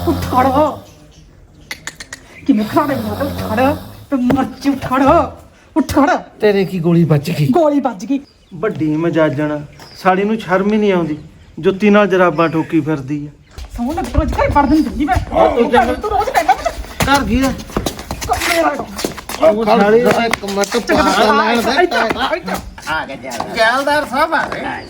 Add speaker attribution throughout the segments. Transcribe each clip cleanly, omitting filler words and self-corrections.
Speaker 1: ਉੱਠ ਖੜੋ ਕਿਵੇਂ ਖੜੇ ਹੋ ਤਾਂ ਖੜ ਤੇ ਮੱਚ ਉੱਠ ਖੜ
Speaker 2: ਤੇਰੇ ਕੀ ਗੋਲੀ ਵੱਜ ਗਈ?
Speaker 1: ਗੋਲੀ ਵੱਜ ਗਈ।
Speaker 2: ਵੱਡੀ ਮਜਾਜਣ ਸਾਲੀ ਨੂੰ ਸ਼ਰਮ ਹੀ ਨਹੀਂ ਆਉਂਦੀ, ਜੁੱਤੀ ਨਾਲ ਜਰਾਬਾਂ ਠੋਕੀ ਫਿਰਦੀ ਆ।
Speaker 1: ਸੌਂ ਲੱਗ ਰੋਜ਼ ਘਰ ਪੜ ਦਿੰਦੀ ਮੈਂ ਤੂੰ ਰੋਜ਼ ਕਹਿੰਦਾ
Speaker 2: ਕਰ ਗਈ ਆ
Speaker 1: ਮੇਰਾ
Speaker 2: ਉਹ ਸਾਲੀ
Speaker 3: ਇੱਕ ਮਿੰਟ ਆ ਗਿਆ ਜੈਲਦਾਰ ਸਾਹਿਬ ਆ ਗਏ।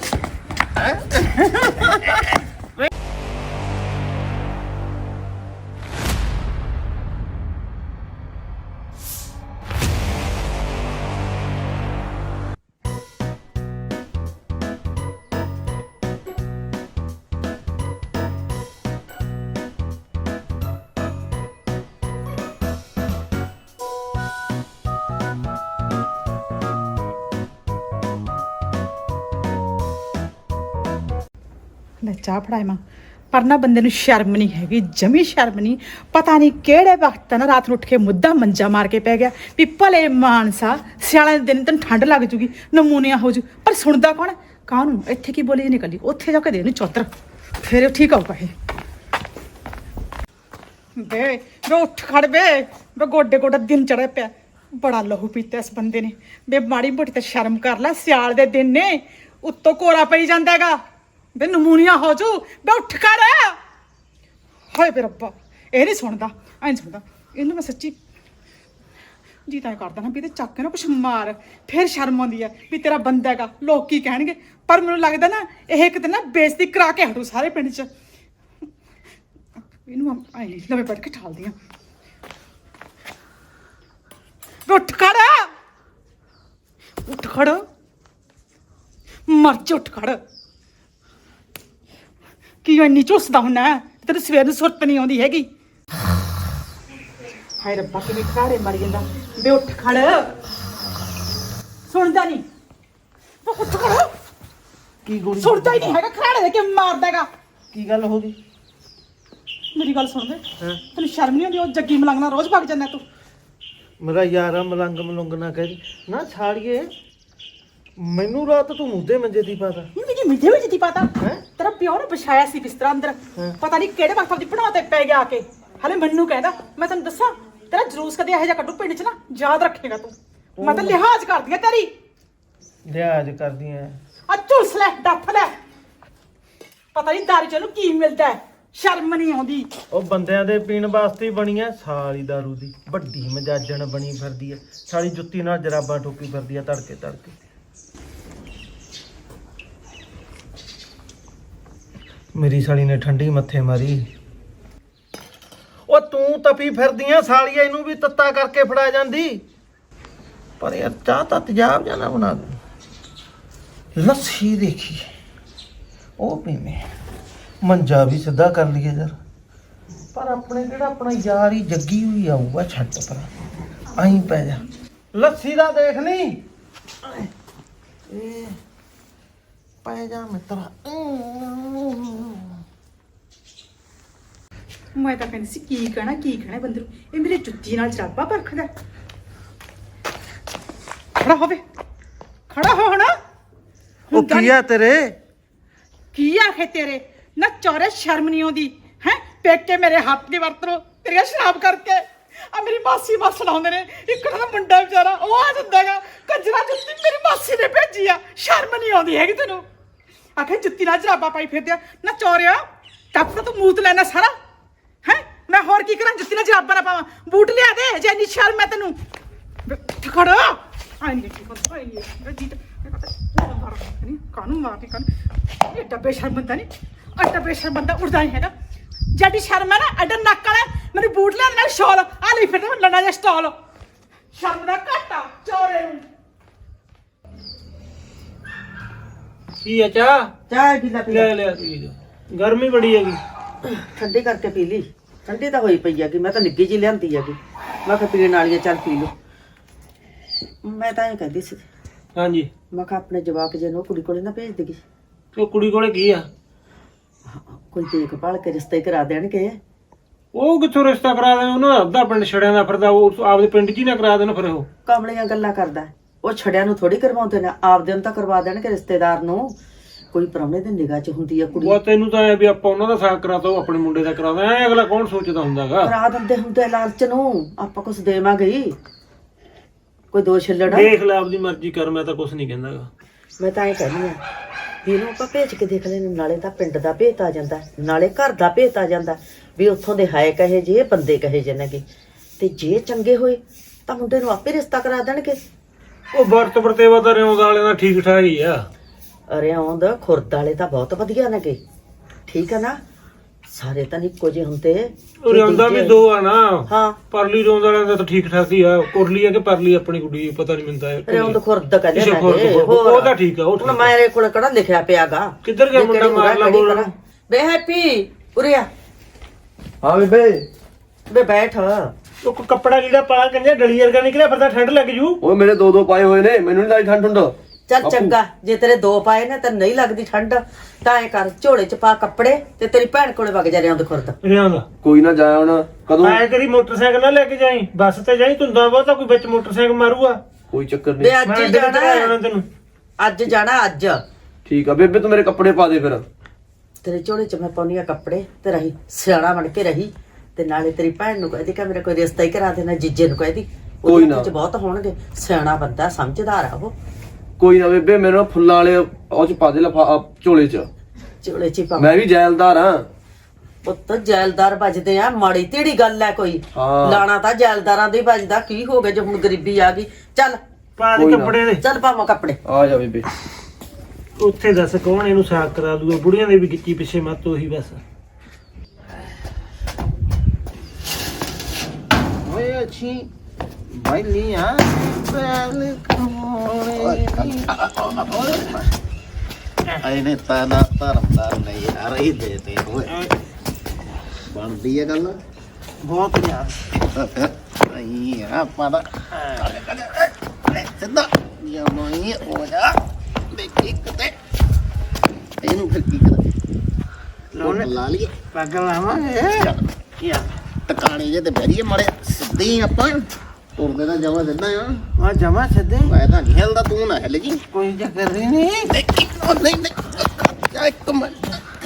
Speaker 1: ਲੈ ਚਾਹ ਫੜਾਏ ਮਾਂ ਪਰ ਨਾ ਬੰਦੇ ਨੂੰ ਸ਼ਰਮ ਨਹੀਂ ਹੈਗੀ, ਜਮੀ ਸ਼ਰਮ ਨਹੀਂ। ਪਤਾ ਨਹੀਂ ਕਿਹੜੇ ਵਕਤ ਨਾ ਰਾਤ ਨੂੰ ਉੱਠ ਕੇ ਮੁੱਦਾ ਮੰਜਾ ਮਾਰ ਕੇ ਪੈ ਗਿਆ ਵੀ ਭਲੇ ਮਾਨਸਾ ਸਿਆਲਾਂ ਦੇ ਦਿਨ ਤੈਨੂੰ ਠੰਡ ਲੱਗ ਜੂਗੀ, ਨਮੂਨੀਆ ਹੋ ਜੂ। ਪਰ ਸੁਣਦਾ ਕੌਣ? ਕਾਹਨੂੰ ਇੱਥੇ ਕੀ ਬੋਲੀ ਨਿਕਲੀ, ਉੱਥੇ ਜਾ ਕੇ ਦੇ ਇਹਨੂੰ ਚੌਧਰ, ਫਿਰ ਉਹ ਠੀਕ ਆਊਗਾ। ਇਹ ਬੇ ਉੱਠ ਖੜ ਬੇ ਗੋਡੇ ਗੋਡਾ ਦਿਨ ਚੜਿਆ ਪਿਆ, ਬੜਾ ਲਹੂ ਪੀਤਾ ਇਸ ਬੰਦੇ ਨੇ। ਬੇ ਮਾੜੀ ਮੋਟੀ ਤਾਂ ਸ਼ਰਮ ਕਰ ਲੈ, ਸਿਆਲ ਦੇ ਦਿਨ ਨੇ, ਉੱਤੋਂ ਕੋਰਾ ਪਈ ਜਾਂਦਾ ਹੈਗਾ, ਬੇ ਨਮੂਨੀਆ ਹੋ ਜੂ। ਬੇ ਉੱਠ ਖੜ। ਹਾਏ ਬੇ ਰੱਬਾ, ਇਹ ਨਹੀਂ ਸੁਣਦਾ, ਐ ਨਹੀਂ ਸੁਣਦਾ ਇਹਨੂੰ। ਮੈਂ ਸੱਚੀ ਜੀ ਤਾਂ ਕਰਦਾ ਨਾ ਵੀ ਤੇ ਚੱਕ ਕੇ ਨਾ ਕੁਛ ਮਾਰ, ਫਿਰ ਸ਼ਰਮ ਆਉਂਦੀ ਹੈ ਵੀ ਤੇਰਾ ਬੰਦਾ ਹੈਗਾ, ਲੋਕ ਕੀ ਕਹਿਣਗੇ। ਪਰ ਮੈਨੂੰ ਲੱਗਦਾ ਨਾ ਇਹ ਕਿਤੇ ਨਾ ਬੇਇੱਜ਼ਤੀ ਕਰਾ ਕੇ ਹਟੂ ਸਾਰੇ ਪਿੰਡ 'ਚ। ਇਹਨੂੰ ਐ ਨਹੀਂ ਲਵੇ ਪੜ ਕੇ ਠਾਲਦੀ ਆ। ਉੱਠ ਖੜ, ਉੱਠ ਖੜ, ਮਰ ਜਾ, ਉੱਠ ਖੜ। ਕੀ ਇੰਨੀ ਝੁੱਸਦਾ ਹੁੰਦਾ, ਤੈਨੂੰ ਸਵੇਰ ਨੂੰ ਸੁਰਤ ਨਹੀਂ ਆਉਂਦੀ ਹੈਗੀ। ਹਾਏ ਰੱਬਾ ਕਿਵੇਂ ਖਾੜੇ ਮਰ ਜਾਂਦਾ। ਬੇ ਉੱਠ ਖੜ, ਸੁਣਦਾ ਨਹੀਂ, ਉੱਠ ਖੜ।
Speaker 2: ਕੀ ਗੋਲੀ
Speaker 1: ਸੁਣਦਾ ਹੀ ਨਹੀਂ ਹੈਗਾ, ਖਰਾੜੇ ਦੇ ਕੇ ਮਾਰਦਾ ਹੈਗਾ।
Speaker 2: ਕੀ ਗੱਲ ਹੋ ਗਈ?
Speaker 1: ਮੇਰੀ ਗੱਲ ਸੁਣ ਵੇ, ਤੈਨੂੰ ਸ਼ਰਮ ਨਹੀਂ ਆਉਂਦੀ? ਉਹ ਜੱਗੀ ਮਲੰਗ ਨਾਲ ਰੋਜ਼ ਭੱਗ ਜਾਂਦਾ ਤੂੰ।
Speaker 2: ਮੇਰਾ ਯਾਰਾ ਮਲੰਗ ਮਲੁੰਗ ਨਾ ਕਹਿ ਨਾ ਛਾੜੀਏ, ਮੈਨੂੰ ਰਾਤ ਤੂੰ ਮੁੱਦੇ ਮੰਜੇ ਦੀ ਪਾਤਾ।
Speaker 1: ਮੇਰੀ ਮਿੱਠੇ ਵਿੱਚ ਦੀ ਪਤਾ ਤੇਰਾ ਪਿਓ ਨੇ ਵਿਛਾਇਆ ਸੀ ਬਿਸਤਰਾ ਅੰਦਰ, ਪਤਾ ਨਹੀਂ ਕਿਹੜੇ ਵਕਤ ਦੀ ਬਣਾ ਤੇ ਪੈ ਗਿਆ ਆ ਕੇ। ਹਲੇ ਮੈਨੂੰ ਕਹਿੰਦਾ, ਮੈਂ ਤੈਨੂੰ ਦੱਸਾਂ ਤੇਰਾ ਜਲੂਸ ਕਦੇ ਇਹੋ ਜਿਹਾ ਕੱਢੂ ਪਿੰਡ 'ਚ ਨਾ, ਯਾਦ ਰੱਖੇਗਾ ਤੂੰ। ਮੈਂ ਤਾਂ ਲਿਹਾਜ਼ ਕਰਦੀ ਆ ਤੇਰੀ।
Speaker 2: ਲਿਹਾਜ਼ ਕਰਦੀ ਐ?
Speaker 1: ਆ ਝੁਲਸ ਲੈ, ਡੱਫ ਲੈ, ਪਤਾ ਨਹੀਂ ਦਾਰੂ 'ਚ ਇਹਨੂੰ ਕੀ ਮਿਲਦਾ ਹੈ, ਸ਼ਰਮ ਨਹੀਂ ਆਉਂਦੀ।
Speaker 2: ਉਹ ਬੰਦਿਆਂ ਦੇ ਪੀਣ ਵਾਸਤੇ ਹੀ ਬਣੀ ਐ ਸਾਲੀ ਦਾਰੂ ਦੀ, ਵੱਡੀ ਮਜਾਜਣ ਬਣੀ ਫਿਰਦੀ ਐ ਸਾਲੀ, ਜੁੱਤੀ ਨਾਲ ਜਰਾਬਾਂ ਠੋਕੀ ਫਿਰਦੀ ਐ ਤੜਕੇ ਤੜਕੇ। ਮੇਰੀ ਸਾਲੀ ਨੇ ਠੰਡੀ ਮੱਥੇ ਮਾਰੀ। ਉਹ ਤੂੰ ਤਪੀ ਫਿਰਦੀ ਐ ਸਾਲੀਆ, ਇਹਨੂੰ ਵੀ ਤੱਤਾ ਕਰਕੇ ਫੜਾ ਜਾਂਦੀ। ਪਰ ਯਾਰ ਚਾਹ ਤਾਂ ਤੇਜ਼ਾਬ ਜਾਣਾ ਬਣਾ ਦੇ। ਲੱਸੀ ਦੇਖੀ ਉਹ ਪੀਵੇਂ, ਮੰਜਾ ਵੀ ਸਿੱਧਾ ਕਰ ਲਈਏ ਯਾਰ। ਪਰ ਆਪਣੇ ਕਿਹੜਾ ਆਪਣਾ ਯਾਰ ਹੀ ਜੱਗੀ ਹੋਈ ਆਊਗਾ, ਛੱਡ ਪਰ ਆਈ ਪੈ ਜਾ। ਲੱਸੀ ਦਾ ਦੇਖ ਲਈ ਇਹ ਪੈ ਜਾ ਮਿੱਤਰਾ।
Speaker 1: ਮੈਂ ਤਾਂ ਕਹਿੰਦੀ ਸੀ ਕੀ ਕਹਿਣਾ ਬੰਦੇ ਨੂੰ, ਇਹ ਮੇਰੇ ਜੁੱਤੀ ਨਾਲ ਜਰਾਬਾ ਪਰਖਦਾ। ਖੜਾ ਹੋਵੇ, ਖੜਾ ਹੋ ਹੁਣ।
Speaker 2: ਉਹ ਕੀ ਆ ਤੇਰੇ?
Speaker 1: ਕੀ ਆਖੇ ਤੇਰੇ ਨਾ ਚੋਰੇ, ਸ਼ਰਮ ਨਹੀਂ ਆਉਂਦੀ ਹੈ? ਪੇਕੇ ਮੇਰੇ ਹੱਥ ਦੀ ਵਰਤੋਂ ਤੇਰੀਆਂ ਸ਼ਰਾਬ ਕਰਕੇ। ਆ ਮੇਰੀ ਮਾਸੀ ਮਸ ਲਾਉਂਦੇ ਨੇ, ਇੱਕ ਦਾ ਮੁੰਡਾ ਵਿਚਾਰਾ ਉਹ ਆ ਜਾਂਦਾਗਾ, ਕੰਜਰਾ ਜੁੱਤੀ ਮੇਰੀ ਮਾਸੀ ਨੇ ਭੇਜੀ ਆ, ਸ਼ਰਮ ਨਹੀਂ ਆਉਂਦੀ ਹੈਗੀ ਤੈਨੂੰ? ਆਖੇ ਜੁੱਤੀ ਨਾਲ ਜਰਾਬਾ ਪਾਈ ਫਿਰਦੇ ਆ ਨਾ ਚੋਰਿਆ, ਟੱਪ ਤਾਂ ਤੂੰ ਮੂਤ ਲੈਣਾ ਸਾਰਾ ਹੈ। ਮੈਂ ਹੋਰ ਕੀ ਕਰਾਂ, ਜੁੱਤੀ ਨਾਲ ਜਰਾਬਾ ਨਾ ਪਾਵਾਂ? ਬੂਟ ਲਿਆ ਦੇ ਜੇ ਇੰਨੀ ਸ਼ਰਮ ਹੈ ਤੈਨੂੰ। ਖੜਾ ਆਈ ਨਹੀਂ ਜੀਤ ਕਾਨੂੰ ਮਾਰਦੀ ਕਾਨੂੰ, ਇਹ ਡੱਬੇ ਸ਼ਰਮ ਬੰਦਾ ਨਹੀਂ, ਆ ਡੱਬੇ ਸ਼ਰਮ ਬੰਦਾ ਉੱਠਦਾ ਨਹੀਂ ਹੈਗਾ। ਜੱਡੀ ਸ਼ਰਮ ਹੈ ਨਾ, ਐਡਾ ਨੱਕ ਵਾਲਾ ਮੈਨੂੰ ਬੂਟ ਲਿਆ ਨਾਲ ਸ਼ਾਲ ਆ ਲਈ ਫਿਰਦਾ ਲੰਡਾ ਜਿਹਾ ਸਟਾਲ, ਸ਼ਰਮ ਦਾ ਘਾਟਾ ਚੋਰੇ ਨੂੰ।
Speaker 2: ਕੀ ਆ ਚਾਹ?
Speaker 3: ਚਾਹ ਪੀ ਲੈ,
Speaker 2: ਲੈ ਲਿਆ ਪੀ ਜਾ, ਗਰਮੀ ਬੜੀ ਹੈਗੀ।
Speaker 3: ਠੰਡੀ ਕਰਕੇ ਪੀ ਲਈ। ਠੰਡੀ ਤਾਂ ਹੋਈ ਪਈ ਹੈਗੀ, ਮੈਂ ਤਾਂ ਨਿੱਗੀ ਜੀ ਲਿਆਂਦੀ ਹੈਗੀ, ਮੈਂ ਕਿਹਾ ਪੀਣ ਵਾਲੀ ਚੱਲ ਪੀ ਲਓ। ਮੈਂ ਤਾਂ ਇਹ ਕਹਿੰਦੀ ਸੀ,
Speaker 2: ਹਾਂਜੀ,
Speaker 3: ਮੈਂ ਕਿਹਾ ਆਪਣੇ ਜਵਾਕ ਜੇ ਨੂੰ ਕੁੜੀ ਕੋਲੇ ਨਾ ਭੇਜ ਦੇਗੀ।
Speaker 2: ਉਹ ਕੁੜੀ ਕੋਲੇ ਕੀ ਆ?
Speaker 3: ਕੋਈ ਦੇਖਭਾਲ ਕੇ ਰਿਸ਼ਤੇ ਕਰਾ ਦੇਣਗੇ।
Speaker 2: ਉਹ ਕਿੱਥੋਂ ਰਿਸ਼ਤਾ ਕਰਾ ਦੇ? ਉਹਨਾਂ ਦਾ ਅੱਧਾ ਪਿੰਡ ਛੜਿਆਂ ਦਾ ਫਿਰਦਾ, ਉਹ ਆਪਦੇ ਪਿੰਡ 'ਚ ਹੀ ਨਾ ਕਰਾ ਦੇਣ ਫਿਰ। ਉਹ
Speaker 3: ਕਮਲੀਆਂ ਗੱਲਾਂ ਕਰਦਾ, ਉਹ ਛੜਿਆਂ ਨੂੰ ਥੋੜੀ ਕਰਵਾਉਂਦੇ ਨੇ, ਆਪਦੇ ਨੂੰ ਤਾਂ ਕਰਵਾ ਦੇਣਗੇ ਰਿਸ਼ਤੇਦਾਰ ਨੂੰ। ਕੋਈ ਪ੍ਰਾਹੁਣੇ ਦੀ ਨਿਗਾਹ 'ਚ ਹੁੰਦੀ ਆ ਕੁੜੀ।
Speaker 2: ਉਹ ਤੈਨੂੰ ਤਾਂ ਐ ਵੀ ਆਪਾਂ ਉਹਨਾਂ ਦਾ ਸਾਕ ਕਰਾਤਾ, ਉਹ ਆਪਣੇ ਮੁੰਡੇ ਦਾ ਕਰਾਦਾ, ਐ ਅਗਲਾ ਕੌਣ ਸੋਚਦਾ ਹੁੰਦਾਗਾ।
Speaker 3: ਕਰਾ ਦਿੰਦੇ ਹੁੰਦੇ ਲਾਲਚ ਨੂੰ, ਆਪਾਂ ਕੁਛ ਦੇਵਾਂਗੇ ਹੀ। ਕੋਈ ਦੋ ਛਿੱਲੜ
Speaker 2: ਦੇਖ ਲੈ, ਆਪਦੀ ਮਰਜ਼ੀ ਕਰ, ਮੈਂ ਤਾਂ ਕੁਛ ਨਹੀਂ ਕਹਿੰਦਾਗਾ।
Speaker 3: ਮੈਂ ਤਾਂ ਐ ਕਹਿੰਦੀ ਆ ਵੀ ਇਹਨੂੰ ਆਪਾਂ ਭੇਜ ਕੇ ਦੇਖ ਲੈਣ, ਨਾਲੇ ਤਾਂ ਪਿੰਡ ਦਾ ਭੇਤ ਆ ਜਾਂਦਾ, ਨਾਲੇ ਘਰ ਦਾ ਭੇਤ ਆ ਜਾਂਦਾ ਵੀ ਉੱਥੋਂ ਦੇ ਹੈ ਕਹੇ ਜੇ, ਬੰਦੇ ਕਹੇ ਜੇ ਨੇਗੇ। ਤੇ ਜੇ ਚੰਗੇ ਹੋਏ ਤਾਂ ਮੁੰਡੇ ਨੂੰ ਆਪੇ ਰਿਸ਼ਤਾ ਕਰਾ ਦੇਣਗੇ।
Speaker 2: ਉਹ ਵਰਤ ਵਰਤੇਵਾ ਤਾਂ ਰਿਆਉਂਦ ਵਾਲਿਆਂ ਦਾ ਠੀਕ ਠਾਕ ਹੀ ਆ।
Speaker 3: ਅਰੇ ਆਉਂਦ ਖੁਰਦ ਵਾਲੇ ਤਾਂ ਬਹੁਤ ਵਧੀਆ ਨੇਗੇ, ਠੀਕ ਆ ਨਾ, ਸਾਰੇ ਤਾਂ ਇੱਕੋ ਜਿਹੇ ਹੁੰਦੇ।
Speaker 2: ਰਿਆਉਂਦਾ ਵੀ ਦੋ ਆ ਨਾ।
Speaker 3: ਹਾਂ,
Speaker 2: ਪਰਲੀ ਰਿਆਉਂਦ ਵਾਲਿਆਂ ਦਾ ਤਾਂ ਠੀਕ ਠਾਕ ਹੀ ਆ। ਕੁਰਲੀ ਆ ਕਿ ਪਰਲੀ ਆਪਣੀ ਕੁੜੀ, ਪਤਾ ਨਹੀਂ ਮਿਲਦਾ।
Speaker 3: ਰਿਆਉਂਦ ਖੁਰਦ ਕਹਿੰਦੇ
Speaker 2: ਕਿਸੇ ਖੁਰਦ
Speaker 3: ਨੇ।
Speaker 2: ਉਹ ਤਾਂ ਠੀਕ ਆ, ਉਹ
Speaker 3: ਹੁਣ ਮੇਰੇ ਕੋਲ ਕਿਹੜਾ ਲਿਖਿਆ ਪਿਆਗਾ।
Speaker 2: ਕਿੱਧਰ ਗਿਆ ਮੁੰਡਾ? ਮਾਰ ਲਾ ਬੋਲ।
Speaker 3: ਬੇ ਹੈਪੀ ਉਰੇ ਆ।
Speaker 4: ਹਾਂ ਬੇਬੇ।
Speaker 3: ਬੇ ਬੈਠ।
Speaker 2: ਉਹ ਕੱਪੜਾ ਜਿਹੜਾ ਪਾ ਕੰਜਾ ਡਲੀ ਵਰਗਾ ਨਿਕਲਿਆ, ਫਿਰ ਤਾਂ ਠੰਡ ਲੱਗ ਜੂ।
Speaker 4: ਓਏ ਮੇਰੇ ਦੋ ਪਾਏ ਹੋਏ ਨੇ, ਮੈਨੂੰ ਨਹੀਂ ਲੱਗਦੀ ਠੰਡ ਠੰਡ।
Speaker 3: ਚੱਲ ਚੰਗਾ, ਜੇ ਤੇਰੇ ਦੋ ਪਾਏ ਨੇ ਤਾਂ ਨਹੀਂ ਲੱਗਦੀ ਠੰਡ, ਤਾਂ ਐ ਕਰ ਝੋਲੇ ਚ ਪਾ ਕੱਪੜੇ ਤੇ ਤੇਰੀ ਭੈਣ ਕੋਲੇ ਵਗ ਜਾ ਰਿਆਉਂਦ ਖੁਰਦ।
Speaker 2: ਰਿਆਉਂਦ
Speaker 4: ਕੋਈ ਨਾ ਜਾਇਆ ਹੁਣ। ਕਦੋਂ?
Speaker 2: ਐ ਕਰੀ ਮੋਟਰਸਾਈਕਲ ਨਾ ਲੈ ਕੇ ਜਾਈ, ਬੱਸ ਤੇ ਜਾਈ, ਧੁੰਦਾਂ ਬਹੁਤਾ ਕੋਈ ਵਿੱਚ ਮੋਟਰਸਾਈਕਲ ਮਾਰੂਗਾ।
Speaker 4: ਕੋਈ ਚੱਕਰ
Speaker 3: ਬੇ
Speaker 4: ਨਹੀਂ।
Speaker 3: ਅੱਜ
Speaker 2: ਮੈਂ
Speaker 3: ਹੀ
Speaker 2: ਇੱਧਰ
Speaker 3: ਜਾਣਾ
Speaker 2: ਆਉਣਾ
Speaker 3: ਹੈ।
Speaker 2: ਤੈਨੂੰ।
Speaker 3: ਅੱਜ ਜਾਣਾ ਅੱਜ।
Speaker 4: ਠੀਕ ਆ ਬੇਬੇ, ਤੂੰ ਮੇਰੇ ਕੱਪੜੇ ਪਾ ਦੇ ਫਿਰ।
Speaker 3: ਤੇਰੇ ਝੋਲੇ ਚ ਮੈਂ ਪਾਉਣੀ ਆ ਕੱਪੜੇ ਤੇ ਰਹੀ ਸਿਆਣਾ ਬਣ ਕੇ ਰਹੀ। ਤੇ ਨਾਲੇ ਤੇਰੀ ਭੈਣ ਨੂੰ ਕਹਦੀ ਕਿ ਮੇਰਾ ਕੋਈ ਰਿਸ਼ਤਾ ਹੀ ਕਰਾ ਦੇਣਾ, ਜੀਜੇ ਨੂੰ ਕਹਦੀ।
Speaker 4: ਕੋਈ ਨਾ।
Speaker 3: ਚ ਬਹੁਤ ਹੋਣਗੇ, ਸਿਆਣਾ ਬੰਦਾ, ਸਮਝਦਾਰ ਆ ਉਹ।
Speaker 4: ਕੋਈ ਨਾ ਬੇਬੇ, ਮੈਨੂੰ ਫੁੱਲਾਂ ਵਾਲੇ ਉਹ ਚ ਪਾ ਦੇ ਝੋਲੇ ਚ।
Speaker 3: ਝੋਲੇ ਚ ਹੀ ਪਾ।
Speaker 4: ਮੈਂ ਵੀ ਜੈਲਦਾਰ ਹਾਂ।
Speaker 3: ਪੁੱਤ ਜੈਲਦਾਰ ਵੱਜਦੇ ਆ, ਮਾੜੀ ਤੇੜੀ ਗੱਲ ਹੈ ਕੋਈ।
Speaker 4: ਹਾਂ।
Speaker 3: ਲਾਣਾ ਤਾਂ ਜੈਲਦਾਰਾਂ ਦੇ ਹੀ ਵੱਜਦਾ। ਕੀ ਹੋ ਗਿਆ ਜੇ ਹੁਣ ਗਰੀਬੀ ਆ ਗਈ? ਚੱਲ
Speaker 2: ਪਾ ਦੇ
Speaker 4: ਕੋਈ ਨਾ।
Speaker 2: ਕੱਪੜੇ ਦੇ।
Speaker 3: ਚੱਲ ਪਾਵਾਂ ਕੱਪੜੇ।
Speaker 4: ਆ ਜਾ ਬੇਬੇ।
Speaker 2: ਉੱਥੇ ਦੱਸ ਕੌਣ ਇਹਨੂੰ ਸਾਕ ਕਰਾ ਦੂਗਾ? ਬੁੜੀਆਂ ਦੇ ਵੀ ਗਿੱਚੀ ਪਿੱਛੇ ਮੱਤ ਉਹੀ ਬਸ।
Speaker 5: ਓਏ ਅੱਛੀ ਬੈਲੀਆਂ ਬੈਲ ਕੋਲੇ ਆਇਨੇ ਤਾਨਾ ਧਰਮਦਾਰ ਨਹੀਂ ਆ ਰਹੀ ਦੇ ਓਏ ਬਣਦੀ ਹੈ ਗੱਲ
Speaker 2: ਬਹੁਤ ਯਾਰ।
Speaker 5: ਨਹੀਂ ਆ ਪਾਦਾ ਸਿੱਧਾ ਜਮਾਈ ਹੋ ਜਾ ਦੇਖੀ ਕਿਤੇ ਇਹਨੂੰ ਫਿਰ ਕੀ ਕਰਾਂ? ਲਾ ਲਈਏ
Speaker 2: ਪੱਗ ਲਾਵਾਂਗੇ
Speaker 5: ਯਾਰ ਟਿਕਾਣੇ ਜੇ ਤੇ ਬੈਰੀਏ ਮਾਰੇ ਸਿੱਧੇ ਹੀ ਆਪਾਂ ਤੁਰਦੇ ਦਾ ਜਮਾ ਦਿੰਦਾ ਆ।
Speaker 2: ਆ ਜਮਾ ਛੱਡੇ,
Speaker 5: ਮੈਂ ਤਾਂ ਨਹੀਂ ਹਿਲਦਾ, ਤੂੰ ਨਾ ਹਿਲ ਜੀ।
Speaker 2: ਕੋਈ ਚੱਕਰ ਨਹੀਂ।
Speaker 5: ਦੇਖੀ ਉਹ ਨਹੀਂ ਇੱਕ ਮਿੰਟ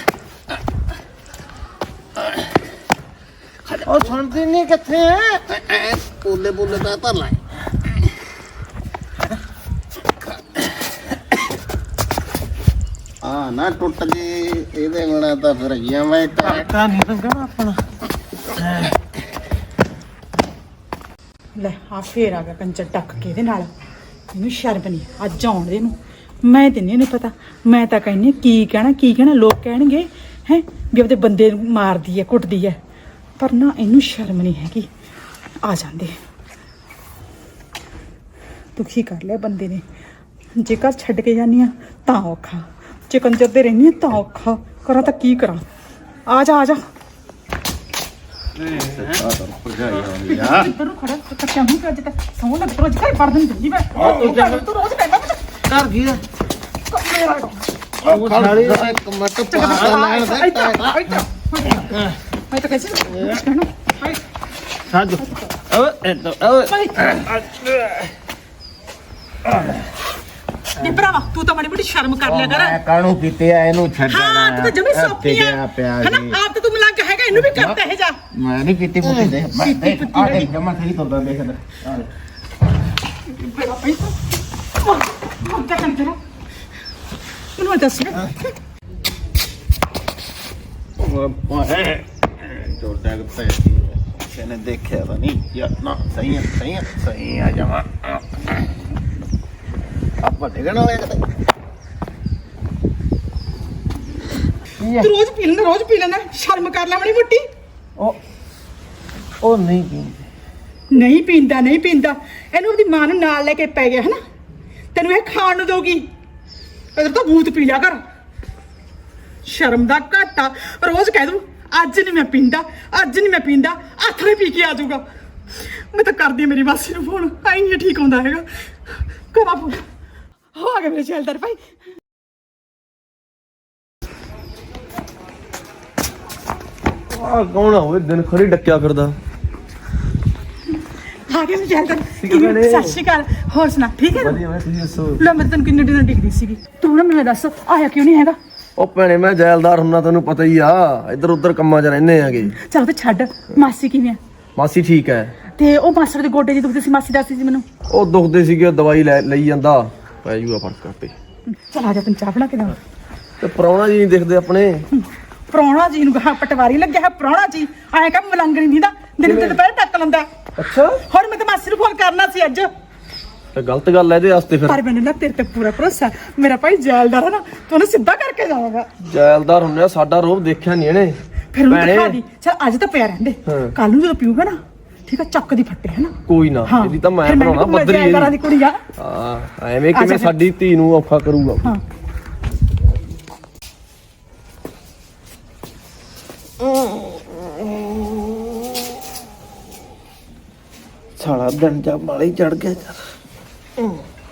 Speaker 2: ਉਹ ਸੁਣਦੀ ਨਹੀਂ ਕਿੱਥੇ ਹੈ?
Speaker 5: ਬੋਲੇ ਬੋਲੇ ਤਾਂ ਧਰ ਲੈ। ਆ ਨਾ ਟੁੱਟ ਜੇ ਇਹਦੇ ਬਣਾ ਤਾਂ ਫਿਰ ਗਿਆ ਮੈਂ
Speaker 2: ਤਾਂ ਨਹੀਂ ਲੰਗਣਾ ਆਪਣਾ।
Speaker 1: ਲੈ ਆ ਫੇਰ ਆ ਗਿਆ ਕੰਚਰ ਟੱਕ ਕੇ ਇਹਦੇ ਨਾਲ। ਇਹਨੂੰ ਸ਼ਰਮ ਨਹੀਂ, ਅੱਜ ਆਉਣ ਦੇ ਨੂੰ। ਮੈਂ ਤੇ ਨਹੀਂ ਪਤਾ, ਮੈਂ ਤਾਂ ਕਹਿੰਦੀ ਕੀ ਕਹਿਣਾ ਲੋਕ ਕਹਿਣਗੇ ਹੈ ਵੀ ਆਪਦੇ ਬੰਦੇ ਨੂੰ ਮਾਰਦੀ ਹੈ, ਕੁੱਟਦੀ ਹੈ। ਪਰ ਨਾ ਇਹਨੂੰ ਸ਼ਰਮ ਨਹੀਂ ਹੈਗੀ। ਆ ਜਾਂਦੇ ਦੁਖੀ ਕਰ ਲਿਆ ਬੰਦੇ ਨੇ। ਜੇ ਘਰ ਛੱਡ ਕੇ ਜਾਂਦੀ ਆ ਤਾਂ ਔਖਾ, ਜੇ ਕੰਜਰ ਦੇ ਰਹਿੰਦੀ ਆ ਤਾਂ ਔਖਾ। ਕਰਾਂ ਤਾਂ ਕੀ ਕਰਾਂ? ਆ ਜਾ ਆ ਜਾ। ਇੱਧਰ ਨੂੰ ਖੜਾ ਕੱਟਿਆ ਮੂੰਹ ਤੇ ਅੱਜ ਤੱਕ ਸੌਂ ਲੱਗ ਰੋਜ਼ ਘਰ ਪੜ ਦਿੰਦੀ ਮੈਂ। ਤੂੰ ਰੋਜ਼ ਕਹਿੰਦਾ
Speaker 2: ਘਰ ਕੀ ਆ?
Speaker 1: ਮੇਰਾ
Speaker 5: ਉਹ ਸਾਲੀ ਦਾ ਇੱਕ ਮਿੰਟ ਪਾਸਾ ਲੈਣ ਦੇ
Speaker 1: ਮੈਂ ਤਾਂ ਕਹਿੰਦੀ ਕਹਿਣਾ ਹਾਏ
Speaker 2: ਸਾਜੋ ਓਏ
Speaker 1: ਨੀ ਭਰਾਵਾ, ਤੂੰ ਤਾਂ ਮਾੜੀ ਮੋਟੀ ਸ਼ਰਮ ਕਰ ਲਿਆ ਕਰ।
Speaker 5: ਮੈਂ ਕਾਹਨੂੰ ਕੀਤੇ ਆ ਇਹਨੂੰ ਛੱਡਣਾ?
Speaker 1: ਹਾਂ ਤੂੰ ਤਾਂ ਜਮੀ ਸੌਖੀ ਆ
Speaker 5: ਪਿਆ
Speaker 1: ਹਨਾ। ਆਪ ਤਾਂ ਤੂੰ ਮਿਲਾ ਕੇ ਹੈਗਾ, ਇਹਨੂੰ ਵੀ ਕਰਤਾ ਇਹ ਜਾ।
Speaker 5: ਮੈਂ ਨਹੀਂ ਪੀਤੀ ਪੁੱਤੀ ਦੇ ਮੈਂ ਦੇਖ ਆ ਦੇਖ ਜਮਾ ਸਹੀ ਤੁਰਦਾ ਦੇਖ ਲੈ।
Speaker 1: ਮੇਰਾ ਪੈਸਾ ਮੰਗਾ ਕਰ ਜਰਾ ਮੈਨੂੰ ਦੱਸ।
Speaker 5: ਓਏ ਜੋੜਾ ਕਿੱਥੇ ਇਹਨੇ ਦੇਖਿਆ ਤਾਂ ਨਹੀਂ ਯਾਰ ਨਾ। ਸਹੀ ਆ ਜਮਾ ਆਪਾਂ ਡਿਗਣ ਵਾਲੇ ਕਿਤੇ।
Speaker 1: ਤੂੰ ਰੋਜ਼ ਪੀ ਲੈਣਾ, ਸ਼ਰਮ ਕਰ ਲੈ ਮਾੜੀ ਮੋਟੀ।
Speaker 2: ਉਹ ਨਹੀਂ ਪੀਂਦੇ।
Speaker 1: ਨਹੀਂ ਪੀਂਦਾ ਇਹਨੂੰ ਆਪਣੀ ਮਾਂ ਨੂੰ ਨਾਲ ਲੈ ਕੇ ਪੈ ਗਿਆ ਹਨਾ। ਤੈਨੂੰ ਇਹ ਖਾਣ ਨੂੰ ਦਊਗੀ। ਇਧਰ ਤਾਂ ਭੂਤ ਪੀ ਲਿਆ ਕਰ। ਸ਼ਰਮ ਦਾ ਘਾਟਾ। ਰੋਜ਼ ਕਹਿ ਦੂੰ ਅੱਜ ਨਹੀਂ ਮੈਂ ਪੀਂਦਾ ਹੱਥ ਨੇ ਪੀ ਕੇ ਆ ਜਾਊਗਾ। ਮੈਂ ਤਾਂ ਕਰਦੀ ਮੇਰੀ ਮਾਸੀ ਨੂੰ ਫੋਨ, ਆਈ ਨਹੀਂ ਠੀਕ ਆਉਂਦਾ ਹੈਗਾ। ਕਰਾ ਫੋਨ। ਹੋ ਆ ਗਿਆ ਮੇਰੇ ਜੈਲਦਾਰ ਭਾਈ।
Speaker 4: ਆ ਕੌਣ ਆ ਓਏ, ਦਿਨ ਖੜੀ ਡੱਕਿਆ ਫਿਰਦਾ।
Speaker 1: ਆ ਗਿਆ ਜੈਲਦਾਰ
Speaker 4: ਠੀਕ ਹੈ ਭੈਣੇ।
Speaker 1: ਸਤਿ ਸ਼੍ਰੀ ਅਕਾਲ ਹੋਰ ਸੁਣਾ ਠੀਕ ਹੈ
Speaker 4: ਵਧੀਆ ਮੈਂ ਤੁਸੀਂ ਦੱਸੋ
Speaker 1: ਲੈ ਮੈਂ ਤੈਨੂੰ ਕਿੰਨੇ ਦਿਨ ਡਿੱਗਦੀ ਸੀਗੀ ਤੂੰ ਨਾ ਮੈਨੂੰ ਦੱਸ ਆਇਆ ਕਿਉਂ ਨਹੀਂ ਹੈਗਾ
Speaker 4: ਉਹ ਭੈਣੇ ਮੈਂ ਜੈਲਦਾਰ ਹੁੰਨਾ ਤੈਨੂੰ ਪਤਾ ਹੀ ਆ ਇੱਧਰ ਉੱਧਰ ਕੰਮਾਂ 'ਚ ਰਹਿੰਦੇ ਆਗੇ
Speaker 1: ਚੱਲ ਤੇ ਛੱਡ ਮਾਸੀ ਕਿਵੇਂ ਆ
Speaker 4: ਮਾਸੀ ਠੀਕ ਹੈ
Speaker 1: ਤੇ ਉਹ ਮਾਸੜ ਦੇ ਗੋਡੇ ਜੀ ਦੁਖਦੇ ਸੀ ਮਾਸੀ ਦੱਸਦੀ ਸੀ ਮੈਨੂੰ
Speaker 4: ਉਹ ਦੁਖਦੇ ਸੀਗੇ ਦਵਾਈ ਲਈ ਜਾਂਦਾ ਪੈ ਜੂਗਾ ਫਰਕ ਆਪੇ
Speaker 1: ਚਲ ਆ ਜਾ ਤੈਨੂੰ ਚਾਹ ਬਣਾ ਕੇ ਦੇਵਾਂ
Speaker 4: ਤੇ ਪ੍ਰਾਹੁਣਾ ਜੀ ਨਹੀਂ ਦਿਖਦੇ ਆਪਣੇ
Speaker 1: ਪ੍ਰਾਹੁਣਾ ਜੀ ਨੂੰ ਕਹਾ ਪਟਵਾਰੀ ਲੱਗਿਆ ਹੈ ਪ੍ਰਾਹੁਣਾ ਜੀ ਆਇਆ ਕੰਮ ਮਲੰਗਣੀ ਦੀ ਦਾ ਦਿਨ ਤੇ ਦੁਪਹਿਰ ਟੱਕ ਲੰਦਾ
Speaker 4: ਅੱਛਾ
Speaker 1: ਹੁਣ ਮੈਂ ਤਾਂ ਮਾਸੀ ਨੂੰ ਫੋਨ ਕਰਨਾ ਸੀ ਅੱਜ
Speaker 4: ਤੇ ਗਲਤ ਗੱਲ ਹੈ ਇਹਦੇ ਵਾਸਤੇ ਫਿਰ
Speaker 1: ਪਰ ਮੈਨੂੰ ਨਾ ਤੇਰੇ ਤੇ ਪੂਰਾ ਭਰੋਸਾ ਮੇਰਾ ਭਾਈ ਜੈਲਦਾਰ ਹੈ ਨਾ ਤੂੰ ਉਹਨੂੰ ਸਿੱਧਾ ਕਰਕੇ ਜਾਵੇਗਾ
Speaker 4: ਜੈਲਦਾਰ ਹੁੰਨੇ ਸਾਡਾ ਰੋਬ ਦੇਖਿਆ ਨਹੀਂ ਇਹਨੇ
Speaker 1: ਫਿਰ ਉਹਨੂੰ ਦਿਖਾ ਦੀ ਚਲ ਅੱਜ ਤਾਂ ਪਿਆ ਰਹਿੰਦੇ
Speaker 4: ਹਾਂ।
Speaker 1: ਕੱਲ ਨੂੰ ਜਦੋਂ ਪੀਊਗਾ ਨਾ ਠੀਕ ਆ ਚੱਕ ਦੀ ਫੱਟੇ ਹੈ ਨਾ
Speaker 4: ਕੋਈ ਨਾ ਇਹਦੀ ਤਾਂ ਮੈਂ ਬਣਾਉਣਾ ਬੱਦਰੀ
Speaker 1: ਜੈਲਦਾਰਾਂ ਦੀ ਕੁੜੀ ਆ
Speaker 4: ਹਾਂ ਐਵੇਂ ਕਿਵੇਂ ਸਾਡੀ ਧੀ ਨੂੰ ਔਖਾ ਕਰੂਗਾ
Speaker 1: ਹਾਂ
Speaker 2: ਸਾਲਾ ਦਿਨ ਜਾ ਮਾਲੇ ਚੜ ਗਿਆ ਯਾਰ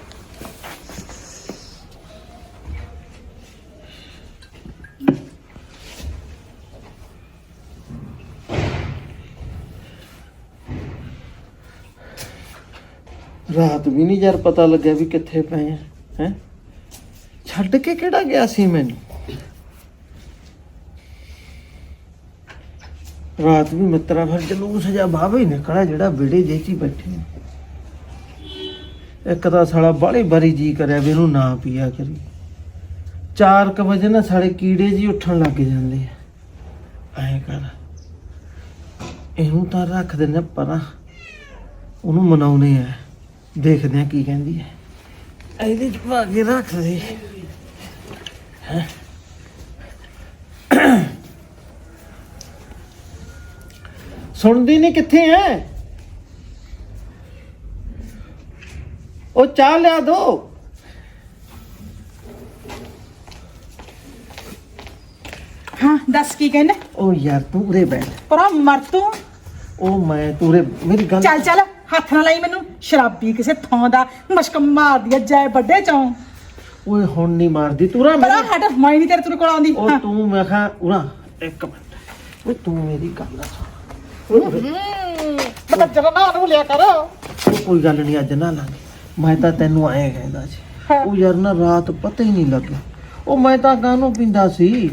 Speaker 2: ਰਾਤ ਵੀ ਨਹੀਂ ਯਾਰ ਪਤਾ ਲੱਗਿਆ ਵੀ ਕਿੱਥੇ ਪਏ ਆ ਹੈ ਛੱਡ ਕੇ ਕਿਹੜਾ ਗਿਆ ਸੀ ਮੈਨੂੰ ਰਾਤ ਵੀ ਮਿੱਤਰਾ ਫਿਰ ਜਲੂਸ ਜਾ ਬਾਹਰ ਹੀ ਨਿਕਲਿਆ ਜਿਹੜਾ ਵਿੜੇ ਜੇ ਚ ਹੀ ਬੈਠੇ ਆ। ਇੱਕ ਤਾਂ ਸਾਲਾ ਬਾਹਲੀ ਬਾਰੀ ਜੀ ਕਰਿਆ ਵੀ ਇਹਨੂੰ ਨਾ ਪੀਆ ਕਰੀ 4 ਵਜੇ ਨਾ ਸਾਡੇ ਕੀੜੇ ਜੀ ਉੱਠਣ ਲੱਗ ਜਾਂਦੇ ਆ ਐਂ ਕਰ ਇਹਨੂੰ ਤਾਂ ਰੱਖ ਦਿੰਦੇ ਪਰਾਂ ਉਹਨੂੰ ਮਨਾਉਣੇ ਆ ਦੇਖਦੇ ਆ ਕੀ ਕਹਿੰਦੀ ਹੈ ਇਹਦੇ ਚ ਪਾ ਕੇ ਰੱਖ ਦੇ ਹੈਂ ਸੁਣਦੀ ਨਹੀਂ ਕਿੱਥੇ ਐ ਉਹ ਚਾਹ ਲਿਆ ਦੋ
Speaker 1: ਹਾਂ ਦੱਸ ਕੀ ਕਹਿੰਦਾ
Speaker 2: ਉਹ ਯਾਰ ਤੂੰ ਉਰੇ ਬੈਠ
Speaker 1: ਪਰਾ ਮਰ ਤੂੰ
Speaker 2: ਉਹ ਮੈਂ ਤੂੰ ਉਰੇ ਮੇਰੀ ਗੱਲ
Speaker 1: ਚੱਲ ਚੱਲ ਹੱਥ ਨਾ ਲਾਈ ਮੈਨੂੰ ਸ਼ਰਾਬੀ ਕਿਸੇ ਥਾਂ ਦਾ ਮਸ਼ਕ ਮਾਰਦੀ ਆ ਜੈ ਵੱਡੇ ਚੋਂ
Speaker 2: ਓਏ ਹੁਣ ਨਹੀਂ ਮਾਰਦੀ ਤੂੰ ਰਾ
Speaker 1: ਪਰਾ ਹਟ ਮੈਂ ਨਹੀਂ ਤੇਰੇ ਕੋਲ ਆਉਂਦੀ
Speaker 2: ਉਹ ਤੂੰ ਮੈਂ ਕਿਹਾ ਉਰਾ ਇੱਕ ਮਿੰਟ ਓਏ ਤੂੰ ਮੇਰੀ ਗੱਲ ਸੁਣ
Speaker 1: ਪਤਾ ਜਰਾ ਨਾ ਨੂੰ ਲਿਆ ਕਰ
Speaker 2: ਉਹ ਕੋਈ ਗੱਲ ਨਹੀਂ ਅੱਜ ਨਾ ਲਾਂਗੇ ਮੈਂ ਤਾਂ ਤੈਨੂੰ ਆਏ ਕਹਿੰਦਾ ਸੀ ਉਹ ਯਾਰ ਨਾ ਰਾਤ ਪਤਾ ਹੀ ਨਹੀਂ ਲੱਗਿਆ ਉਹ ਮੈਂ ਤਾਂ ਕਾਹਨੂੰ ਪੀਂਦਾ ਸੀ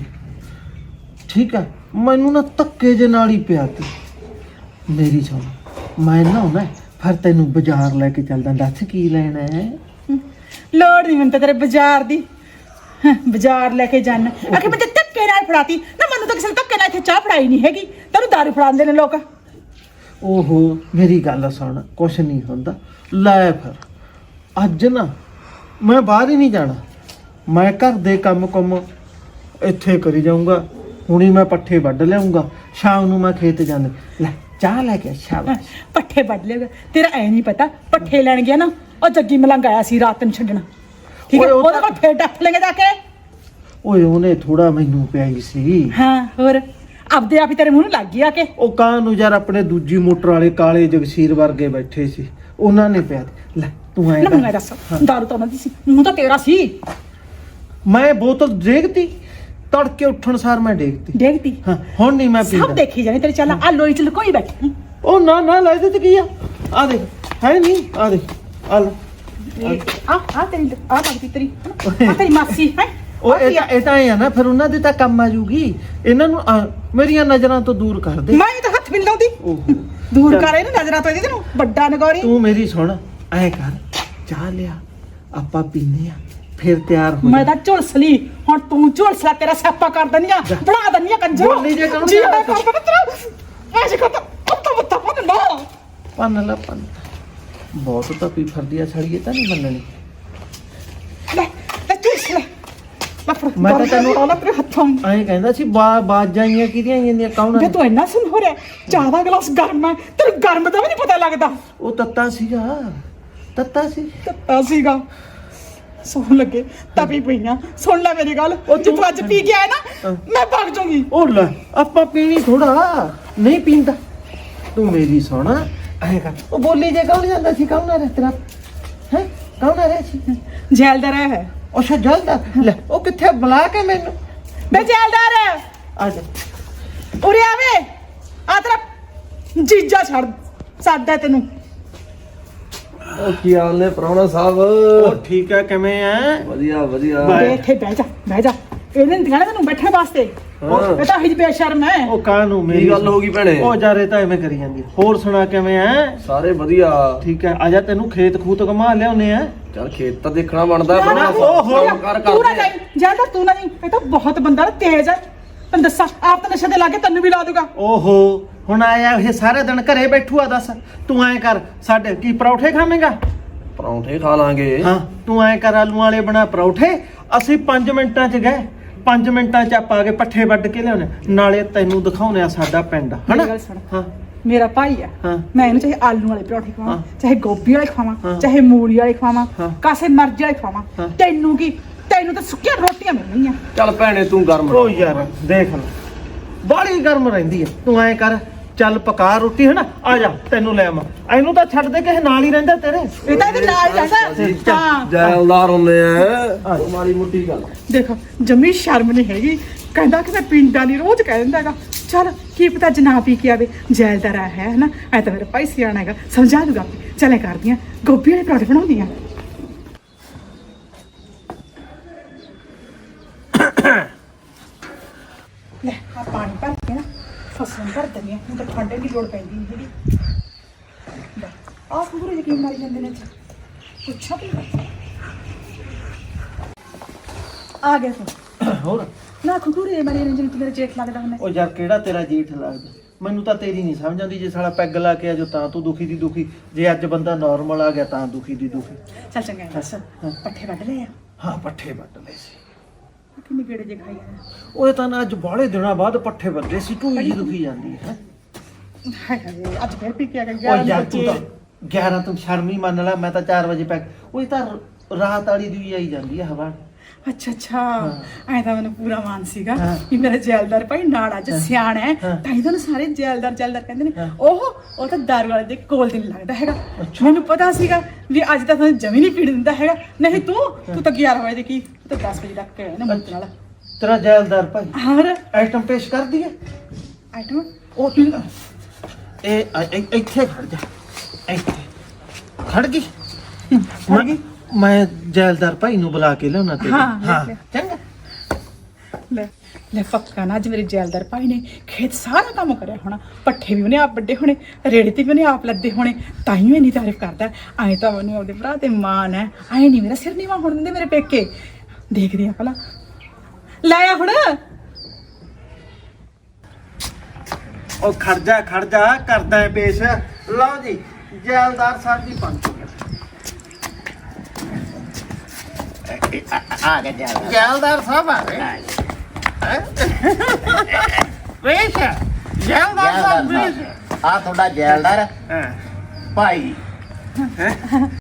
Speaker 2: ਠੀਕ ਆ ਮੈਨੂੰ ਨਾ ਧੱਕੇ ਜੇ ਨਾਲ ਹੀ ਪਿਆ ਤੀ ਮੇਰੀ ਸੁਣ ਮੈਂ ਨਾ ਹੁਣਾ ਫਿਰ ਤੈਨੂੰ ਬਾਜ਼ਾਰ ਲੈ ਕੇ ਚੱਲਦਾ ਦੱਸ ਕੀ ਲੈਣਾ ਹੈ
Speaker 1: ਲੋੜ ਨਹੀਂ ਮੈਨੂੰ ਤਾਂ ਤੇਰੇ ਬਾਜ਼ਾਰ ਦੀ ਬਾਜ਼ਾਰ ਲੈ ਕੇ ਜਾਣਾ ਆਖੇ ਮੈਂ ਧੱਕੇ ਨਾਲ ਫੜਾਤੀ ਨਾ ਮੈਨੂੰ ਤਾਂ ਕਿਸੇ ਨੇ ਧੱਕੇ ਨਾਲ ਇੱਥੇ ਚਾਹ ਫੜਾਈ ਨਹੀਂ ਹੈਗੀ ਤੈਨੂੰ ਦਾਰੂ ਫੜਾਉਂਦੇ ਨੇ ਲੋਕ
Speaker 2: ਓਹੋ ਮੇਰੀ ਗੱਲ ਸੁਣ ਕੁਛ ਨਹੀਂ ਹੁੰਦਾ ਲੈ ਫਿਰ ਅੱਜ ਨਾ ਮੈਂ ਬਾਹਰ ਹੀ ਨਹੀਂ ਜਾਣਾ ਮੈਂ ਘਰ ਦੇ ਕੰਮ ਇੱਥੇ ਕਰੀ ਜਾਊਂਗਾ ਹੁਣੀ ਮੈਂ ਪੱਠੇ ਵੱਢ ਲਿਆਉਂਗਾ ਸ਼ਾਮ ਨੂੰ ਮੈਂ ਖੇਤ ਜਾਂਦਾ ਲੈ ਚਾਹ ਲੈ ਕੇ ਸ਼ਾਬਾਸ਼
Speaker 1: ਪੱਠੇ ਵੱਢ ਲਿਆ ਤੇਰਾ ਐ ਨਹੀਂ ਪਤਾ ਪੱਠੇ ਲੈਣ ਗਿਆ ਨਾ ਉਹ ਜੱਗੀ ਮਲੰਗ ਆਇਆ ਸੀ ਰਾਤ ਨੂੰ ਛੱਡਣਾ ਠੀਕ ਹੈ
Speaker 2: ਓਏ ਉਹ
Speaker 1: ਉਹਦੇ ਕੋਲ ਫੇਰ ਡੱਫ ਲੈਂਗੇ ਜਾ ਕੇ
Speaker 2: ਓਏ ਉਹਨੇ ਥੋੜਾ ਮੈਨੂੰ ਪਿਆਈ ਸੀ
Speaker 1: ਹਾਂ ਹੋਰ ਆਪਦੇ ਆਪ ਹੀ ਤੇਰੇ ਮੂੰਹ ਨੂੰ ਲੱਗ ਗਈ ਆ ਕੇ
Speaker 2: ਉਹ ਕਾਂ ਨੂੰ ਯਾਰ ਆਪਣੇ ਦੂਜੀ ਮੋਟਰ ਵਾਲੇ ਕਾਲੇ ਜਗਸੀਰ ਵਰਗੇ ਬੈਠੇ ਸੀ ਉਹਨਾਂ ਨੇ ਪਿਆ ਦਿੱਤੀ। ਲੈ ਤੂੰ ਐਂ
Speaker 1: ਨਾ
Speaker 2: ਕਰ।
Speaker 1: ਮੈਂ ਦੱਸ ਦਾਰੂ ਤਾਂ ਉਹਨਾਂ ਦੀ ਸੀ ਮੂੰਹ ਤਾਂ ਤੇਰਾ ਸੀ
Speaker 2: ਮੈਂ ਬੋਤਲ ਡੇਗਤੀ ਤੜਕੇ ਉੱਠਣ ਸਾਰ ਮੈਂ ਡੇਗਤੀ
Speaker 1: ਦੇਖਤੀ
Speaker 2: ਹਾਂ ਹੁਣ ਨਹੀਂ ਮੈਂ
Speaker 1: ਸਭ
Speaker 2: ਪੀਂਦਾ
Speaker 1: ਦੇਖੀ ਜਾਣੀ ਤੇਰੀ ਚੱਲ ਆ ਲੋਈ ਚ ਲੁਕੋਈ ਬੈਠੀ
Speaker 2: ਉਹ ਨਾ ਲੈ ਇਹਦੇ ਚ ਕੀ ਆ ਦੇਖ ਹੈ ਨਹੀਂ ਆ ਦੇਖ ਆ ਲੈ
Speaker 1: ਆ ਤੇਰੀ ਆ ਮੰਗਦੀ ਤੇਰੀ ਆ ਤੇਰੀ ਮਾਸੀ ਹੈ
Speaker 2: ਉਹ ਇਹ ਤਾਂ ਇਹ ਆ ਨਾ ਫਿਰ ਉਹਨਾਂ ਦੇ ਤਾਂ ਕੰਮ ਆ ਜੂਗੀ ਇਹਨਾਂ ਨੂੰ ਮੇਰੀਆਂ ਨਜ਼ਰਾਂ ਤੋਂ ਦੂਰ ਕਰ ਦੇ
Speaker 1: ਮੈਂ ਤਾਂ ਹੱਥ ਵੀ ਨੀ ਲਾਉਂਦੀ
Speaker 2: ਓਹੋ
Speaker 1: ਦੂਰ ਕਰ ਇਹਨੂੰ ਨਜ਼ਰਾਂ ਤੋਂ ਇਹਦੇ ਨੂੰ ਵੱਡਾ ਨਗੌਰੀ
Speaker 2: ਤੂੰ ਮੇਰੀ ਸੁਣ ਐ ਕਰ ਚਾਹ ਲਿਆ ਆਪਾਂ ਪੀਨੇ ਆ ਫਿਰ ਤਿਆਰ ਹੋ
Speaker 1: ਮੈਂ ਤਾਂ ਝੁਲਸ ਲਈ ਹੁਣ ਤੂੰ ਝੁਲਸਲਾ ਤੇਰਾ ਸਿਆਪਾ ਕਰ ਦਨੀ ਆ ਬਣਾ ਦਨੀ ਆ ਕੰਜਰ
Speaker 2: ਬੋਲੀ ਜੇ ਕਹੂੰ
Speaker 1: ਜੀ ਮੈਂ ਕਰ ਦਨਾ ਤੇਰਾ ਐਸੇ ਕਰਦਾ ਉੱਤਾ ਬੱਤਾ ਪਨ ਨਾ
Speaker 2: ਪੰਨ ਬਹੁਤ ਤਾਂ ਪੀ ਫਰਦੀ ਆ ਛੜੀਏ ਤਾਂ ਨਹੀਂ ਮੰਨਣੀ
Speaker 1: ਲੈ ਝੁਲਸ ਲੈ
Speaker 2: ਮੈਂ ਤਾਂ ਤੈਨੂੰ
Speaker 1: ਆਉਣਾ ਤੇਰੇ ਹੱਥੋਂ
Speaker 2: ਐਂ ਕਹਿੰਦਾ ਸੀ ਬਾਜਾਂ ਆਈਆਂ ਕਿਹਦੀਆਂ ਆਈਆਂ ਦੀਆਂ ਕੌਣ
Speaker 1: ਵੇ ਤੂੰ ਇੰਨਾ ਸੁਣ ਹੋ ਰਿਹਾ ਚਾਹ ਦਾ ਗਲਾਸ ਗਰਮ ਹੈ ਤੈਨੂੰ ਗਰਮ ਦਾ ਵੀ ਨਹੀਂ ਪਤਾ ਲੱਗਦਾ
Speaker 2: ਉਹ ਤੱਤਾ ਸੀ
Speaker 1: ਤੱਤਾ ਸੀਗਾ ਸੌਣ ਲੱਗੇ ਤਪੀ ਪਈਆਂ ਸੁਣ ਲੈ ਮੇਰੀ ਗੱਲ ਉਹ ਜੇ ਤੂੰ ਅੱਜ ਪੀ ਕੇ ਆਇਆ ਨਾ ਮੈਂ ਭੱਗ ਜਾਊਂਗੀ
Speaker 2: ਉਹ ਲੈ ਆਪਾਂ ਪੀਣੀ ਥੋੜਾ ਨਹੀਂ ਪੀਂਦਾ ਤੂੰ ਮੇਰੀ ਸੁਣ ਐਂ ਕਰ ਉਹ ਬੋਲੀ ਜੇ ਕੌਣ ਜਾਂਦਾ ਸੀ ਕੌਣ ਆ ਤੇਰਾ ਹੈ ਕੌਣ ਆ ਰਿਹਾ ਸੀ
Speaker 1: ਜੈਲਦਾਰ ਹੈ
Speaker 2: ਉਹ ਜਲਦਾ ਲੈ ਉਹ ਕਿੱਥੇ ਬੁਲਾ ਕੇ ਮੈਨੂੰ
Speaker 1: ਬੇ ਜੈਲਦਾਰ
Speaker 2: ਆ ਜਾ
Speaker 1: ਉਰੇ ਆਵੇ ਆ ਤੇਰਾ ਜੀਜਾ ਛੱਡ ਸਾਡਾ ਤੈਨੂੰ
Speaker 4: ਉਹ ਕੀ ਹਾਲ ਨੇ ਪ੍ਰਾਹੁਣਾ ਸਾਹਿਬ?
Speaker 2: ਉਹ ਠੀਕ ਹੈ, ਕਿਵੇਂ ਐ?
Speaker 4: ਵਧੀਆ ਵਧੀਆ।
Speaker 1: ਬੇ ਇੱਥੇ ਬਹਿ ਜਾ ਬਹਿ ਜਾ। ਇਹਨੇ ਦਿਖਾਣਾ ਤੈਨੂੰ ਬੈਠਣ ਵਾਸਤੇ। ਇਹ ਤਾਂ ਹਿਜ ਬੇਸ਼ਰਮ ਹੈ।
Speaker 2: ਉਹ ਕਾਹਨੂੰ
Speaker 4: ਕੀ
Speaker 2: ਮੇਰੀ
Speaker 4: ਗੱਲ ਹੋ ਗਈ ਭੈਣੇ?
Speaker 2: ਉਹ ਜਾਰੇ ਤਾਂ ਐਵੇਂ ਕਰੀ ਜਾਂਦੀ। ਹੋਰ ਸੁਣਾ ਕਿਵੇਂ ਐ?
Speaker 4: ਸਾਰੇ ਵਧੀਆ।
Speaker 2: ਠੀਕ ਹੈ, ਆ ਜਾ ਤੈਨੂੰ ਖੇਤ ਖੂਤ ਘੁਮਾ ਲਿਆਉਨੇ ਆ।
Speaker 4: ਚੱਲ ਖੇਤ ਤਾਂ ਦੇਖਣਾ ਬਣਦਾ।
Speaker 1: ਨਾ, ਨਾ,
Speaker 4: ਪ੍ਰਾਹੁਣਾ
Speaker 2: ਓਹੋ,
Speaker 4: ਸਾਹਿਬ ਕਰ
Speaker 1: ਤੂੰ ਨਾ
Speaker 4: ਕਰਦੇ।
Speaker 1: ਜਾਈਂ, ਜ਼ਿਆਦਾ ਤੂੰ ਨਾ ਜਾਈਂ। ਇਹ ਤਾਂ ਬਹੁਤ ਬੰਦਾ ਨਾ ਤੇਜ਼ ਹੈ। ਤੈਨੂੰ ਦੱਸਾਂ ਆਪ ਤਾਂ ਨਸ਼ੇ ਦੇ ਲਾਗੇ ਤੈਨੂੰ ਵੀ ਲਾ ਦੂਗਾ।
Speaker 2: ਓਹੋ, ਹੁਣ ਆਇਆ ਇਹ ਸਾਰੇ ਦਿਨ ਘਰੇ ਬੈਠੂਆ। ਦੱਸ ਤੂੰ ਐਂ ਕਰ, ਸਾਡੇ ਕੀ ਪਰੌਠੇ ਖਾਵੇਂਗਾ?
Speaker 4: ਪਰੌਂਠੇ ਖਾ ਲਾਂਗੇ।
Speaker 2: ਹਾਂ, ਤੂੰ ਐਂ ਕਰ, ਆਲੂ ਵਾਲੇ ਬਣਾ ਪਰੌਠੇ। ਅਸੀਂ 5 ਮਿੰਟਾਂ 'ਚ ਗਏ। 5 ਮਿੰਟਾਂ 'ਚ ਆਪਾਂ ਆ ਕੇ ਪੱਠੇ ਵੱਢ ਕੇ ਲਿਆਉਣੇ, ਨਾਲੇ ਤੈਨੂੰ ਦਿਖਾਉਣੇ ਆ ਸਾਡਾ ਪਿੰਡ, ਹਨਾ?
Speaker 1: ਮੇਰੀ ਗੱਲ ਸੁਣ।
Speaker 2: ਹਾਂ
Speaker 1: ਮੇਰਾ ਭਾਈ ਆ,
Speaker 2: ਹਾਂ।
Speaker 1: ਮੈਂ ਇਹਨੂੰ ਚਾਹੇ ਆਲੂ ਵਾਲੇ ਪਰੌਂਠੇ ਖਵਾਵਾਂ,
Speaker 2: ਹਾਂ।
Speaker 1: ਚਾਹੇ ਗੋਭੀ ਵਾਲੇ ਖਵਾਵਾਂ,
Speaker 2: ਹਾਂ।
Speaker 1: ਚਾਹੇ ਮੂਲੀ ਵਾਲੇ ਖਵਾਵਾਂ,
Speaker 2: ਹਾਂ।
Speaker 1: ਕਾਸੇ ਮਰਜ਼ੀ ਵਾਲੇ ਖਵਾਵਾਂ।
Speaker 2: ਹਾਂ।
Speaker 1: ਤੈਨੂੰ ਕੀ? ਤੈਨੂੰ ਤਾਂ ਸੁੱਕੀਆਂ ਰੋਟੀਆਂ ਮਿਲਣੀਆਂ।
Speaker 4: ਚੱਲ ਭੈਣੇ ਤੂੰ ਗਰਮ
Speaker 2: ਉਹ ਯਾਰ ਦੇਖ ਲੈ, ਬਾਹਲੀ ਗਰਮ ਰਹਿੰਦੀ ਹੈ। ਤੂੰ ਐਂ ਕਰ, ਚੱਲ ਪਕਾ ਰੋਟੀ, ਹਨਾ? ਆ ਜਾ ਤੈਨੂੰ ਲੈ ਆਵਾਂ। ਇਹਨੂੰ ਤਾਂ ਛੱਡ ਦੇ, ਕਿਸੇ ਨਾਲ ਹੀ ਰਹਿੰਦਾ ਤੇਰੇ।
Speaker 1: ਇਹ ਤਾਂ ਇਹਦੇ ਨਾਲ ਜਾਂਦਾ। ਹਾਂ
Speaker 4: ਜੈਲਦਾਰ ਹੁੰਦੇ ਆ। ਉਹ ਮਾੜੀ ਮੁੱਟੀ ਗੱਲ।
Speaker 1: ਦੇਖੋ ਜਮੀ ਸ਼ਰਮ ਨਹੀਂ ਹੈਗੀ। ਕਹਿੰਦਾ ਕਿ ਮੈਂ ਪਿੰਡਾਂ ਦੀ ਰੋਜ਼ ਕਹਿ ਦਿੰਦਾ ਹੈਗਾ। ਚੱਲ ਕੀ ਪਤਾ ਜਨਾ ਪੀ ਕੇ ਆਵੇ, ਜੈਲਦਾਰ ਆ ਹੈ ਹਨਾ? ਐ ਤਾਂ ਮੇਰਾ ਭਾਈ ਸਿਆਣਾ ਹੈਗਾ, ਸਮਝਾ ਦੂਗਾ। ਚੱਲ ਐ ਕਰਦੀਆਂ, ਗੋਭੀ ਵਾਲੇ ਪਰੌਂਠੇ ਬਣਾਉਂਦੀਆਂ। ਲੈ ਆ ਪਾਣੀ ਭਰ ਕੇ ਨਾ ਫਸਲਾਂ ਭਰ ਦਿੰਦੀ ਆ। ਹੁਣ ਤਾਂ ਠੰਡੇ ਦੀ ਲੋੜ ਪੈਂਦੀ ਨਹੀਂ ਹੈਗੀ। ਲੈ ਆਹ ਕੁੰਗਰੇ ਯਕੀਨ ਮਾਰੀ ਜਾਂਦੇ ਨੇ। ਪੁੱਛਾ ਵੀ ਆ ਗਿਆ ਤੂੰ।
Speaker 2: ਹੋਰ
Speaker 1: ਨਾ ਕੁੰਗਰੇ ਮਾਰੀ ਨੇ ਜਿਵੇਂ ਮੇਰੇ ਜੇਠ ਲੱਗਦਾ ਹੁੰਦਾ।
Speaker 2: ਉਹ ਯਾਰ ਕਿਹੜਾ ਤੇਰਾ ਜੇਠ ਲੱਗਦਾ? ਮੈਨੂੰ ਤਾਂ ਤੇਰੀ ਨਹੀਂ ਸਮਝ ਆਉਂਦੀ। ਜੇ ਸਾਲਾ ਪੈਗ ਲਾ ਕੇ ਆ ਜੋ ਤਾਂ ਤੂੰ ਦੁਖੀ ਦੀ ਦੁਖੀ, ਜੇ ਅੱਜ ਬੰਦਾ ਨਾਰਮਲ ਆ ਗਿਆ ਤਾਂ ਦੁਖੀ ਦੀ ਦੁਖੀ।
Speaker 1: ਚੱਲ ਚੰਗਾ ਹੈ, ਦੱਸ ਪੱਠੇ ਵੱਢ ਲਏ ਆ?
Speaker 2: ਹਾਂ, ਪੱਠੇ ਵੱਢ ਲਏ ਸੀ।
Speaker 1: ਕਿੰਨੇ ਗੇੜੇ ਜੇ ਖਾਈ ਆ?
Speaker 2: ਉਹ ਤਾਂ ਨਾ ਅੱਜ ਬਾਹਲੇ ਦਿਨਾਂ ਬਾਅਦ ਪੱਠੇ ਵੱਢੇ ਸੀ। ਢੂਈ ਜੀ ਦੁਖੀ ਜਾਂਦੀ ਹੈ।
Speaker 1: ਹਾਏ ਹਾਏ ਅੱਜ ਫੇਰ ਪੀ ਕੇ ਆ ਗਿਆ।
Speaker 2: ਉਹ ਯਾਰ ਤੂੰ ਤਾਂ 11 ਤੂੰ ਸ਼ਰਮੀ ਮੰਨ ਲੈ। ਮੈਂ ਤਾਂ 4 ਵਜੇ ਪੈਗ। ਉਹ ਤਾਂ ਰਾਤ ਵਾਲੀ ਦੀ ਵੀ ਆਈ ਜਾਂਦੀ ਹੈ ਹਵਾ।
Speaker 1: ਅੱਛਾ ਅੱਛਾ, ਐ ਤਾਂ ਮੈਨੂੰ ਪੂਰਾ ਮਾਨ ਸੀਗਾ
Speaker 2: ਹਾਂ।
Speaker 1: ਕਿ ਮੇਰਾ ਜੈਲਦਾਰ ਭਾਈ ਨਾਲ ਅੱਜ ਸਿਆਣਾ ਹੈ।
Speaker 2: ਹਾਂ।
Speaker 1: ਤਾਂ ਹੀ ਤੁਹਾਨੂੰ ਸਾਰੇ ਜੈਲਦਾਰ ਜੈਲਦਾਰ ਕਹਿੰਦੇ ਨੇ।
Speaker 2: ਹਾਂ।
Speaker 1: ਉਹ ਤਾਂ ਦਾਰੂ ਵਾਲੇ ਦੇ ਕੋਲ ਦੀ ਨਹੀਂ ਲੱਗਦਾ ਹੈਗਾ। ਮੈਨੂੰ ਪਤਾ ਸੀਗਾ ਵੀ ਅੱਜ ਤਾਂ ਤੁਹਾਨੂੰ ਜਮੀ ਨਹੀਂ ਪੀਣ ਦਿੰਦਾ ਹੈਗਾ। ਨਹੀਂ ਤੂੰ ਤਾਂ 11 ਵਜੇ ਦੇ ਕੀ, ਤੂੰ ਤਾਂ 10 ਵਜੇ ਤੱਕ ਕੇ ਆਇਆ ਨਾ ਮੁੰਡੇ ਨਾਲ।
Speaker 2: ਤੇਰਾ ਜੈਲਦਾਰ ਭਾਈ
Speaker 1: ਹੋਰ
Speaker 2: ਆਈਟਮ ਪੇਸ਼ ਕਰ ਦਈਏ।
Speaker 1: ਆਈਟਮ ਉਹ ਤੂੰ
Speaker 2: ਇੱਥੇ ਖੜ ਜਾ। ਇੱਥੇ ਖੜ ਗਈ।
Speaker 1: ਖੜ ਗਈ?
Speaker 2: ਮੈਂ ਜੈਲਦਾਰ ਭਾਈ ਨੂੰ ਬੁਲਾ ਕੇ ਲਿਆਉਣਾ ਤੇ।
Speaker 1: ਹਾਂ, ਲੈ।
Speaker 2: ਚੰਗਾ।
Speaker 1: ਲੈ ਲੈ ਪੱਕਾ ਨਾ ਅੱਜ ਮੇਰੇ ਜੈਲਦਾਰ ਭਾਈ ਨੇ ਖੇਤ ਸਾਰਾ ਕੰਮ ਕਰਿਆ ਹੋਣਾ। ਪੱਠੇ ਵੀ ਉਹਨੇ ਆਪ ਵੱਡੇ ਹੋਣੇ, ਰੇੜੇ ਤੇ ਵੀ ਉਹਨੇ ਆਪ ਲੱਦੇ ਹੋਣੇ। ਤਾਂ ਹੀ ਇੰਨੀ ਤਾਰੀਫ ਕਰਦਾ। ਐਂ ਤਾਂ ਉਹਨੇ ਉਹਦੇ ਭਰਾ ਤੇ ਮਾਣ ਹੈ। ਐਂ ਨਹੀਂ ਮੇਰਾ ਸਿਰ ਨੀਵਾ ਹੋਣ ਦਿੰਦੇ ਮੇਰੇ ਪੇਕੇ। ਦੇਖਦੇ ਆ ਭਲਾ। ਲੈ ਆ ਹੁਣ।
Speaker 2: ਉਹ ਖੜ ਜਾ ਕਰਦਾ ਹੈ ਪੇਸ਼। ਲਓ ਜੀ, ਜੈਲਦਾਰ ਸਾਹਿਬ ਦੀ ਪੰਚ
Speaker 5: ਆ ਗਿਆ ਜੈਲਦਾਰ।
Speaker 2: ਜੈਲਦਾਰ ਸਾਹਿਬ ਆ ਗਏ। ਪੇਸ਼ ਜੈਲਦਾਰ ਸਾਹਿਬ ਪੇਸ਼।
Speaker 5: ਆ ਤੁਹਾਡਾ ਜੈਲਦਾਰ
Speaker 2: ਹਾਂ
Speaker 5: ਭਾਈ